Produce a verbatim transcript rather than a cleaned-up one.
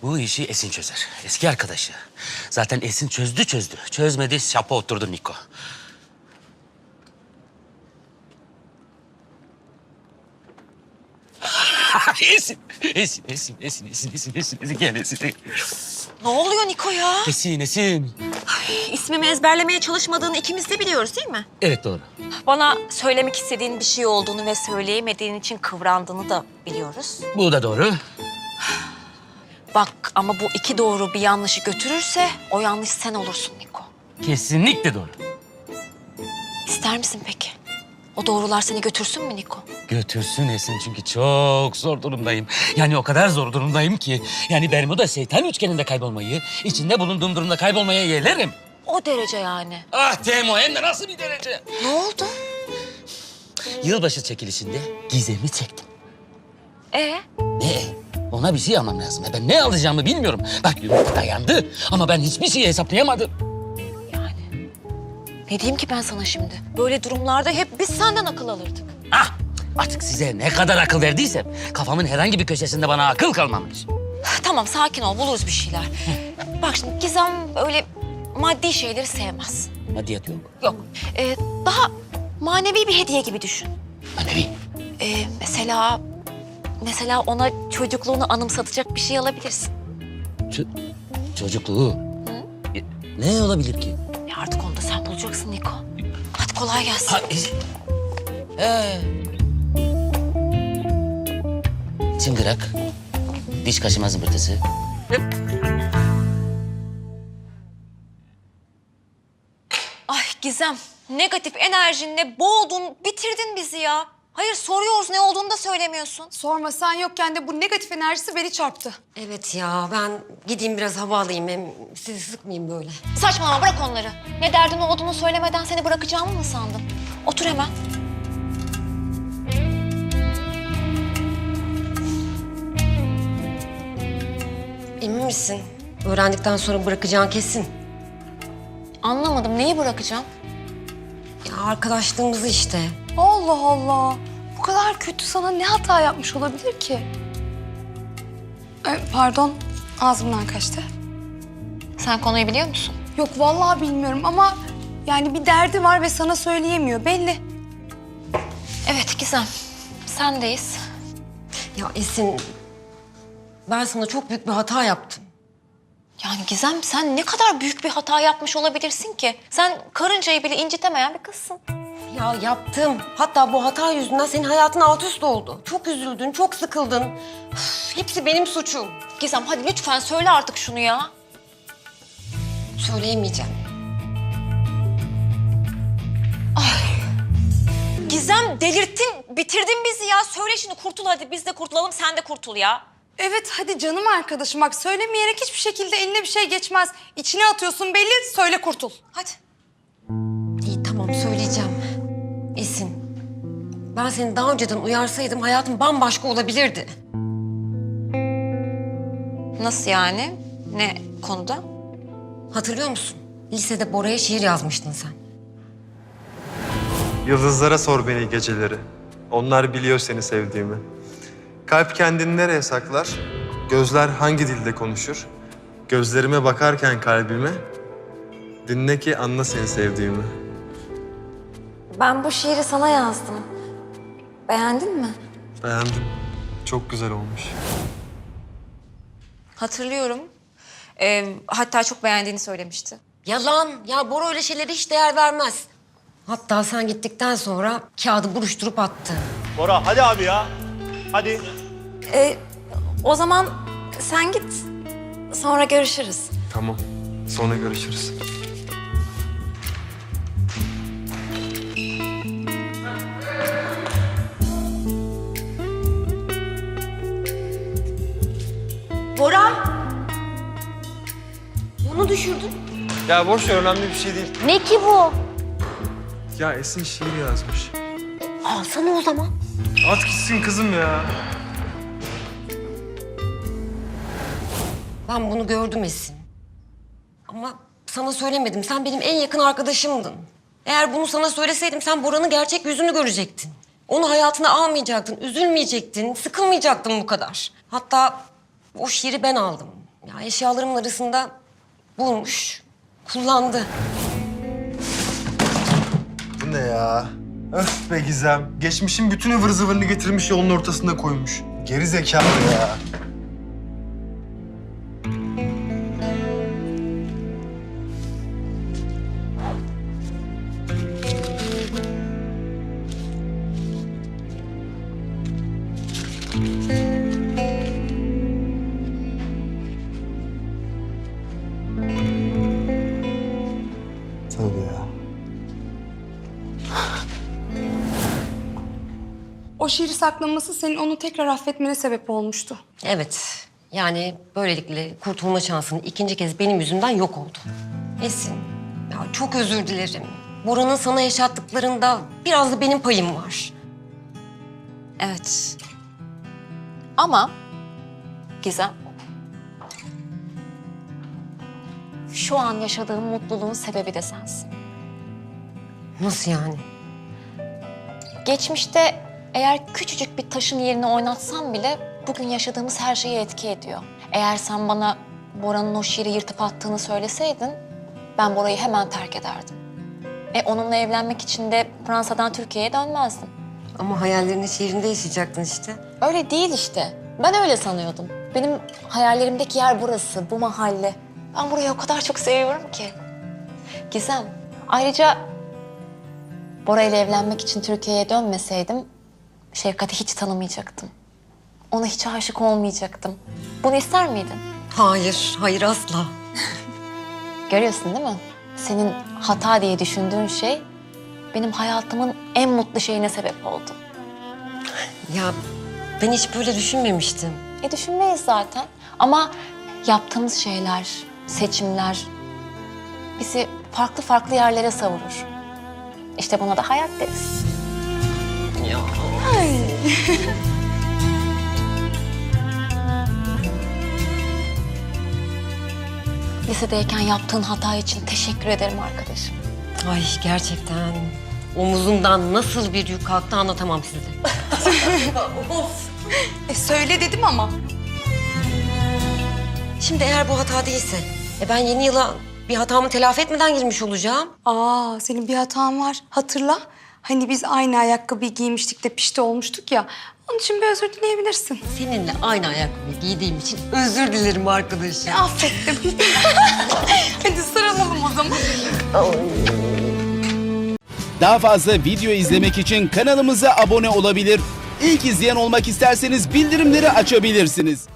Bu işi Esin çözer. Eski arkadaşı. Zaten Esin çözdü çözdü. Çözmedi, şapa oturdu Niko. Esin, Esin, Esin, Esin, Esin, Esin, Esin, Esin, gel Esin. Ne oluyor Niko ya? Esin, Esin. İsmimi ezberlemeye çalışmadığını ikimiz de biliyoruz değil mi? Evet, doğru. Bana söylemek istediğin bir şey olduğunu ve söyleyemediğin için kıvrandığını da biliyoruz. Bu da doğru. Bak ama bu iki doğru bir yanlışı götürürse o yanlış sen olursun Niko. Kesinlikle doğru. İster misin peki? O doğrular seni götürsün mü Niko? Götürsün Esin çünkü çok zor durumdayım. Yani o kadar zor durumdayım ki. Yani Bermuda şeytan üçgeninde kaybolmayı, içinde bulunduğum durumda kaybolmaya yeğlerim. O derece yani. Ah Temo, hem de nasıl bir derece? Ne oldu? Yılbaşı çekilişinde Gizem'i çektim. Ee? Ne? Ona bir şey almam lazım. Ben ne alacağımı bilmiyorum. Bak yumurta dayandı ama ben hiçbir şeyi hesaplayamadım. Yani ne diyeyim ki ben sana şimdi? Böyle durumlarda hep biz senden akıl alırdık. Ah! Artık size ne kadar akıl verdiysem kafamın herhangi bir köşesinde bana akıl kalmamış. Tamam sakin ol buluruz bir şeyler. Bak şimdi Gizem öyle maddi şeyleri sevmez. Maddiyat yok. Yok. Ee, daha manevi bir hediye gibi düşün. Manevi. Ee, mesela mesela ona çocukluğunu anımsatacak bir şey alabilirsin. Ç- çocukluğu. E, Ne olabilir ki? Ya artık onu da sen bulacaksın Niko. Hadi kolay gelsin. Ha, e- ee. Çıngırak, diş kaşıma zımbırtısı. Ay Gizem, negatif enerjinle boğdun, bitirdin bizi ya. Hayır soruyoruz ne olduğunu da söylemiyorsun. Sorma sen yokken de bu negatif enerjisi beni çarptı. Evet ya ben gideyim biraz hava alayım hem sizi sıkmayayım böyle. Saçmalama bırak onları. Ne derdin olduğunu söylemeden seni bırakacağımı mı sandın? Otur hemen. Emin misin? Öğrendikten sonra bırakacağın kesin. Anlamadım neyi bırakacağım? Ya arkadaşlığımızı işte. Allah Allah. Bu kadar kötü sana ne hata yapmış olabilir ki? Ee, pardon ağzımdan kaçtı. Sen konuyu biliyor musun? Yok vallahi bilmiyorum ama yani bir derdi var ve sana söyleyemiyor belli. Evet Gizem, sendeyiz. Ya Esin ben sana çok büyük bir hata yaptım. Yani Gizem sen ne kadar büyük bir hata yapmış olabilirsin ki? Sen karıncayı bile incitemeyen bir kızsın. Ya yaptım. Hatta bu hata yüzünden senin hayatın alt üst oldu. Çok üzüldün, çok sıkıldın. Üf, hepsi benim suçum. Gizem hadi lütfen söyle artık şunu ya. Söyleyemeyeceğim. Gizem delirttin, bitirdin bizi ya. Söyle şimdi kurtul hadi biz de kurtulalım sen de kurtul ya. Evet hadi canım arkadaşım bak söylemeyerek hiçbir şekilde eline bir şey geçmez. İçine atıyorsun belli söyle kurtul. Hadi. İyi tamam söyleyeceğim. Esin ben seni daha önceden uyarsaydım hayatım bambaşka olabilirdi. Nasıl yani? Ne konuda? Hatırlıyor musun? Lisede Bora'ya şiir yazmıştın sen. Yıldızlara sor beni geceleri. Onlar biliyor seni sevdiğimi. Kalp kendini nereye saklar? Gözler hangi dilde konuşur? Gözlerime bakarken kalbime, dinle ki anla seni sevdiğimi. Ben bu şiiri sana yazdım. Beğendin mi? Beğendim. Çok güzel olmuş. Hatırlıyorum. Ee, hatta çok beğendiğini söylemişti. Yalan. Ya Bora öyle şeylere hiç değer vermez. Hatta sen gittikten sonra kağıdı buruşturup attı. Bora hadi abi ya. Hadi. Ee, o zaman sen git. Sonra görüşürüz. Tamam. Sonra görüşürüz. Bora! Bunu düşürdün. Ya boş ver, önemli bir şey değil. Ne ki bu? Ya Esin şiir yazmış. Alsana o zaman. At gitsin kızım ya. Ben bunu gördüm Esin. Ama sana söylemedim. Sen benim en yakın arkadaşımdın. Eğer bunu sana söyleseydim sen Bora'nın gerçek yüzünü görecektin. Onu hayatına almayacaktın, üzülmeyecektin, sıkılmayacaktın bu kadar. Hatta o şiiri ben aldım. Ya eşyalarımın arasında bulmuş, kullandı. Bu ne ya? Öf be Gizem. Geçmişin bütün ıvır zıvırını getirmiş yolun ortasında koymuş. Geri zekalı ya. Tabii ya. O şiiri saklaması senin onu tekrar affetmene sebep olmuştu. Evet, yani böylelikle kurtulma şansın ikinci kez benim yüzümden yok oldu. Esin, ya çok özür dilerim. Bora'nın sana yaşattıklarında biraz da benim payım var. Evet. Ama Gizem, şu an yaşadığım mutluluğun sebebi de sensin. Nasıl yani? Geçmişte eğer küçücük bir taşın yerine oynatsam bile bugün yaşadığımız her şeye etki ediyor. Eğer sen bana Bora'nın o şiiri yırtıp attığını söyleseydin ben Bora'yı hemen terk ederdim. E onunla evlenmek için de Fransa'dan Türkiye'ye dönmezdim. Ama hayallerini şiirinde yaşayacaktın işte. Öyle değil işte. Ben öyle sanıyordum. Benim hayallerimdeki yer burası, bu mahalle. Ben burayı o kadar çok seviyorum ki. Gizem, ayrıca Bora ile evlenmek için Türkiye'ye dönmeseydim Şevkat'i hiç tanımayacaktım. Ona hiç aşık olmayacaktım. Bunu ister miydin? Hayır, hayır asla. Görüyorsun değil mi? Senin hata diye düşündüğün şey benim hayatımın en mutlu şeyine sebep oldu. Ya ben hiç böyle düşünmemiştim. E düşünmeyiz zaten. Ama yaptığımız şeyler, seçimler bizi farklı farklı yerlere savurur. İşte buna da hayat deriz. Ya. Lisedeyken yaptığın hata için teşekkür ederim arkadaşım. Ay gerçekten omuzumdan nasıl bir yük kalktı anlatamam size. E söyle dedim ama. Şimdi eğer bu hata değilse, e ben yeni yıla bir hatamı telafi etmeden girmiş olacağım. Aa, senin bir hatan var. Hatırla. Hani biz aynı ayakkabıyı giymiştik de pişti olmuştuk ya. Onun için bir özür dileyebilirsin. Seninle aynı ayakkabıyı giydiğim için özür dilerim arkadaşım. Affettim. Hadi sarılalım o zaman. Daha fazla video izlemek için kanalımıza abone olabilir. İlk izleyen olmak isterseniz bildirimleri açabilirsiniz.